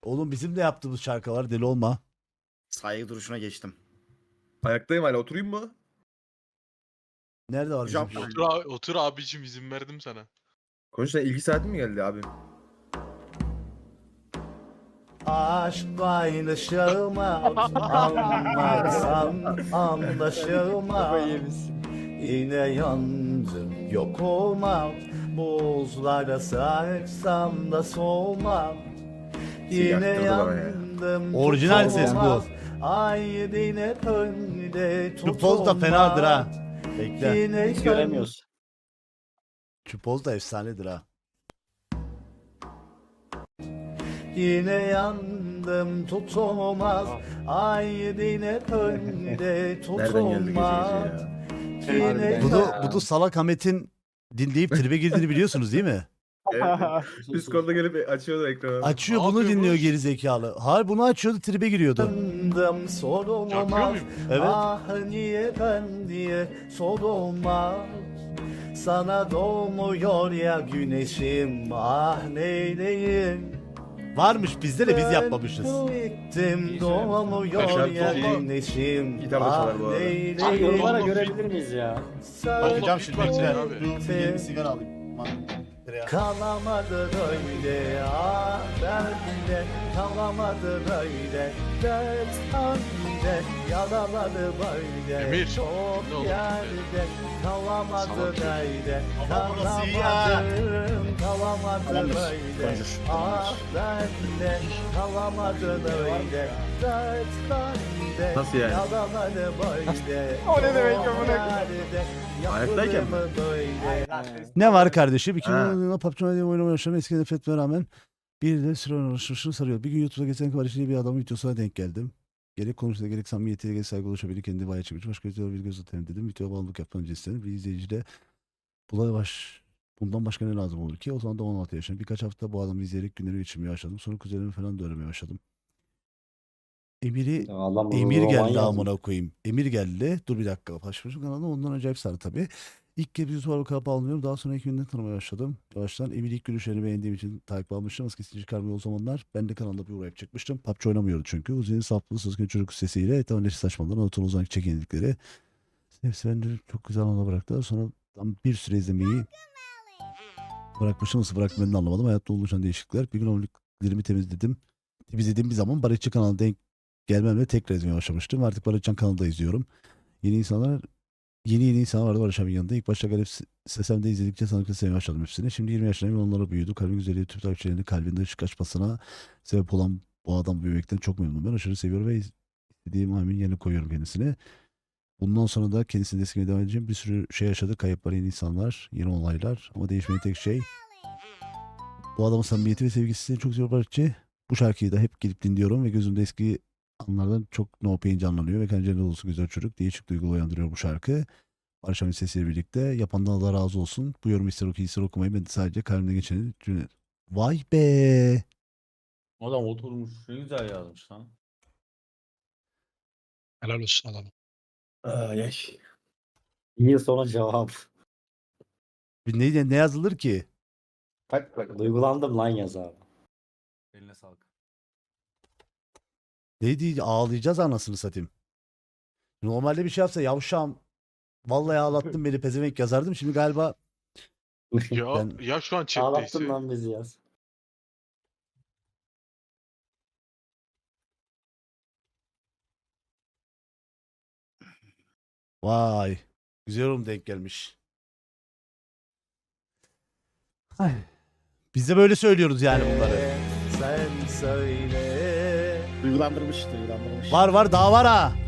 Oğlum bizim de yaptığımız şarkılar, deli olma. Saygı duruşuna geçtim. Ayaktayım hala, oturayım mı? Nerede var bizim? Hocam, Otur abicim, izin verdim sana. Konuşta ilgi saatin mi geldi abim? Aşk paylaşılmaz, anlatsan anlaşılmaz. Yine yandım, yok olmam. Buzlara sarsam da soğumam. Yine yaktırdılar ya. yandım, Orijinal ses bu. tutulmaz. Ay yine önde Şu poz da fenadır ha. Bekle. Yine Biz göremiyoruz. Şu poz da efsanedir ha. Yine yandım tutulmaz. Ay yine önde Nereden geldi tutulmaz. gece ya? Yine Bunu Salak Ahmet'in dinleyip tribe girdiğini biliyorsunuz değil mi? Evet. Discord'da gelip açıyordu ekranı. Açıyor Ne bunu yapıyor bu? dinliyor geri zekalı. Hayır bunu açıyordu tribe giriyordu. yandım Yapıyor sorulmaz. muyum? Evet. Ah niye ben diye sorulmaz. Sana doğmuyor ya güneşim, ah neyleyim. Varmış bizde de biz yapmamışız. Gittim doğmuyor Aşağı ya solda güneşim, gitar da ah çalar bu arada. Abi neyleyim. yorumlara görebilir miyiz ya? Bakacağım şimdi Bak sen bekle. abi. Dur, bir yeni sigara alayım. Kalamadı böyle ah derdinde, kalamadı böyle dert halinde, yaraladı böyle Emir, çok ne olur yerde, kalamadı Salak. böyle, Ama burası iyi ya. kalamadı Tamamdır, böyle konuşur. ah derdinde, kalamadı böyle dert halinde, Nasıl yani? yaraladı böyle O ne demek çok amına yerde, Ayaktayken mi? yapılır böyle. Ne var kardeşim? 2010 Ha. yılında PUBG Mobile oynamaya başladım. Eski nefretime rağmen bir de süre uğraşmışını sarıyor. Bir gün YouTube'da geçen kardeşliği bir adamın videosuna denk geldim. Gerek konuşmada gerek samimiyetiyle gerek saygı oluşabilir. Kendi bayağı çıkmış. Başka videolar bir göz atayım dedim. Videoya bağımlılık yaptan önce istedim. Bir izleyici de bundan başka ne lazım olur ki? O zaman da 16 yaşındayım. Birkaç hafta bu adamı izleyerek günleri geçirmeye başladım. Sonra kuzenimi falan da öğrenmeye başladım. Emir geldi amına koyayım. Emir geldi. Dur bir dakika. Başmışım kanalda ondan acayip sarı tabii. İlk kez YouTube'a bakıp almıyorum. Daha sonra 2 günden tanımaya başladım. Yavaştan Emir ilk görüşlerini beğendiğim için takip almıştım. Eskisi çıkarmıyor o zamanlar. Ben de kanalda bir uğrayıp çıkmıştım. PUBG oynamıyordu çünkü. Uzun'un saplı sızgın çocuk sesiyle etamleşi saçmalıdan Anadolu Uzan'daki çekinlikleri. Hepsi beni çok güzel ana bıraktılar. Sonra tam bir süre izlemeyi bırakmışım. Nasıl bıraktım ben de anlamadım. Hayatta oluşan değişiklikler. Bir gün aboneliklerimi temizlediğim bir zaman Barışçı kanalına denk gelmemle tekrar izlemeye başlamıştım. Artık Barışcan kanalda izliyorum. Yeni insanlar vardı Barış abinin yanında. İlk başta garip sesemde izledikçe sanırım sevmeye başladım hepsini. Şimdi 20 yaşındayım ve onlara büyüdü. Kalbin güzelliği tüm takipçilerinin kalbinde ışık açmasına sebep olan bu adam büyümekten çok memnunum. Ben aşırı seviyorum ve istediğim amin yerine koyuyorum kendisini. Bundan sonra da kendisini desteklemeye devam edeceğim. Bir sürü şey yaşadı. Kayıplar, yeni insanlar, yeni olaylar. Ama değişmeyen tek şey bu adamın samimiyeti ve sevgisi çok seviyor Barışçı. Bu şarkıyı da hep gidip dinliyorum ve gözümde eski anlardan çok no pain canlanıyor ve kendine dolusu güzel çocuk. Değişik duygu uyandırıyor bu şarkı. Barış Ahmet sesiyle birlikte. Yapandan Allah razı olsun. Bu yorum ister oku ister okumayı ben de sadece kalbimde geçeni cümle. Vay be. Adam oturmuş. Ne güzel yazmış lan. Helal olsun adamım. Ay. Bir yıl sonra cevap. Ne yazılır ki? Bak duygulandım lan yaz abi. Eline sağlık. Ne diye ağlayacağız anasını satayım. Normalde bir şey yapsa yavşam. Vallahi ağlattın beni pezevenk yazardım. Şimdi galiba Ya, Ben- ya şu an chat'teyse. Ağlattın lan bizi yaz. vay. Güzel yorum denk gelmiş. Ay. Biz de böyle söylüyoruz yani bunları. Sen söyle. Duygulandırmış. Var daha var ha.